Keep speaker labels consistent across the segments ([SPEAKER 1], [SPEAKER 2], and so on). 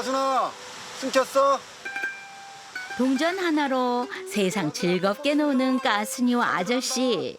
[SPEAKER 1] 가순아, 숨겼어?
[SPEAKER 2] 동전 하나로 세상 즐겁게 노는 가순이와 아저씨.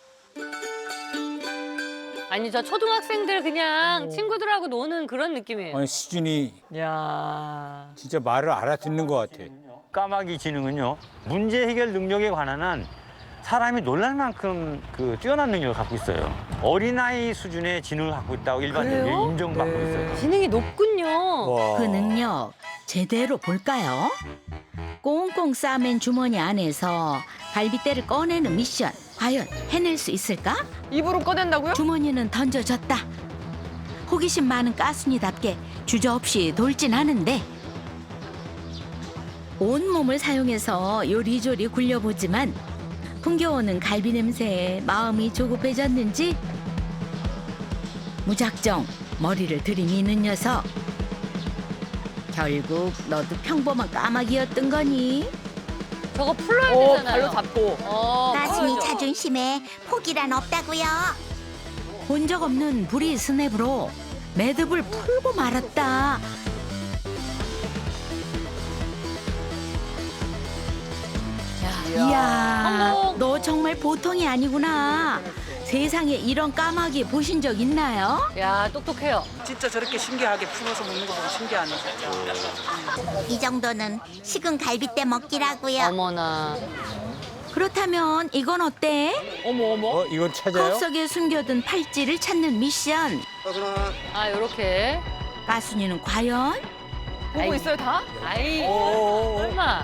[SPEAKER 3] 아니 저 초등학생들 그냥 친구들하고 노는 그런 느낌이에요.
[SPEAKER 4] 아니, 수준이
[SPEAKER 3] 야.
[SPEAKER 4] 진짜 말을 알아듣는 것 같아.
[SPEAKER 5] 까마귀 지능은요, 문제 해결 능력에 관한 한 사람이 놀랄 만큼 뛰어난 능력을 갖고 있어요. 어린아이 수준의 지능을 갖고 있다고 일반적으로
[SPEAKER 3] 그래요?
[SPEAKER 5] 인정받고 있어요.
[SPEAKER 3] 지능이 높군요.
[SPEAKER 4] 와.
[SPEAKER 2] 그 능력 제대로 볼까요? 꽁꽁 싸맨 주머니 안에서 갈비대를 꺼내는 미션. 과연 해낼 수 있을까?
[SPEAKER 6] 입으로 꺼낸다고요?
[SPEAKER 2] 주머니는 던져졌다. 호기심 많은 가순이답게 주저없이 돌진하는데 온몸을 사용해서 요리조리 굴려보지만 풍겨오는 갈비 냄새에 마음이 조급해졌는지 무작정 머리를 들이미는 녀석. 결국 너도 평범한 까마귀였던 거니?
[SPEAKER 3] 저거 풀어야
[SPEAKER 6] 오,
[SPEAKER 3] 되잖아요.
[SPEAKER 6] 발로 잡고.
[SPEAKER 7] 가순이
[SPEAKER 3] 풀어야죠.
[SPEAKER 7] 자존심에 포기란 없다고요.
[SPEAKER 2] 본 적 없는 불이 스냅으로 매듭을 풀고 말았다. 이야,
[SPEAKER 3] 성공.
[SPEAKER 2] 너 정말 보통이 아니구나. 세상에 이런 까마귀 보신 적 있나요?
[SPEAKER 3] 야 똑똑해요.
[SPEAKER 8] 진짜 저렇게 신기하게 풀어서 먹는 거 보면 신기하네.
[SPEAKER 7] 이 정도는 식은 갈비대 먹기라고요.
[SPEAKER 3] 어머나.
[SPEAKER 2] 그렇다면 이건 어때?
[SPEAKER 6] 어머 어머.
[SPEAKER 4] 이건 찾아요?
[SPEAKER 2] 컵 속에 숨겨둔 팔찌를 찾는 미션.
[SPEAKER 1] 가순아,
[SPEAKER 3] 아 요렇게.
[SPEAKER 2] 가순이는 과연?
[SPEAKER 6] 보고
[SPEAKER 3] 아이고.
[SPEAKER 6] 있어요 다?
[SPEAKER 3] 아이
[SPEAKER 4] 오.
[SPEAKER 3] 설마.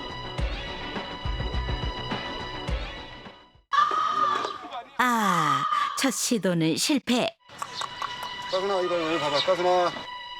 [SPEAKER 2] 아, 첫 시도는 실패.
[SPEAKER 1] 가순아, 이거 여기 봐봐. 가순아,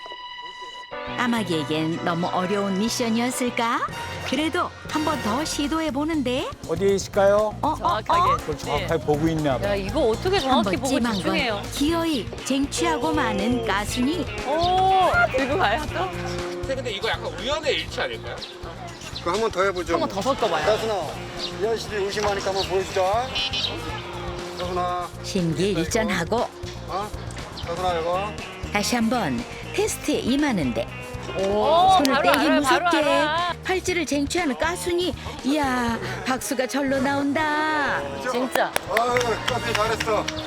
[SPEAKER 2] 까마귀에겐 너무 어려운 미션이었을까? 그래도 한 번 더 시도해 보는데.
[SPEAKER 4] 어디에 있을까요?
[SPEAKER 6] 정확하게.
[SPEAKER 4] 그걸 정확하게 보고 있나 봐.
[SPEAKER 3] 야 이거 어떻게
[SPEAKER 2] 한
[SPEAKER 3] 정확히
[SPEAKER 2] 번
[SPEAKER 3] 보고
[SPEAKER 2] 찜한
[SPEAKER 3] 집중해요.
[SPEAKER 2] 건 기어이 쟁취하고 마는 가순이.
[SPEAKER 6] 오, 들고 가요 또?
[SPEAKER 9] 근데 이거 약간 우연의 일치 아닐까요?
[SPEAKER 1] 그거 한 번 더 해보죠.
[SPEAKER 6] 한 번 더 섞어봐요.
[SPEAKER 1] 가순아, 이 아저씨들이 의심하니까 한번 보여주자. 가순아,
[SPEAKER 2] 심기일전하고
[SPEAKER 1] 어? 가순아, 이거.
[SPEAKER 2] 다시 한번 테스트에 임하는데
[SPEAKER 3] 오,
[SPEAKER 2] 손을
[SPEAKER 3] 바로
[SPEAKER 2] 떼기
[SPEAKER 3] 알아요,
[SPEAKER 2] 무섭게
[SPEAKER 3] 바로 알아.
[SPEAKER 2] 팔찌를 쟁취하는 가순이. 이야, 박수가 절로 나온다.
[SPEAKER 3] 진짜.
[SPEAKER 1] 아유, 가순이 잘했어.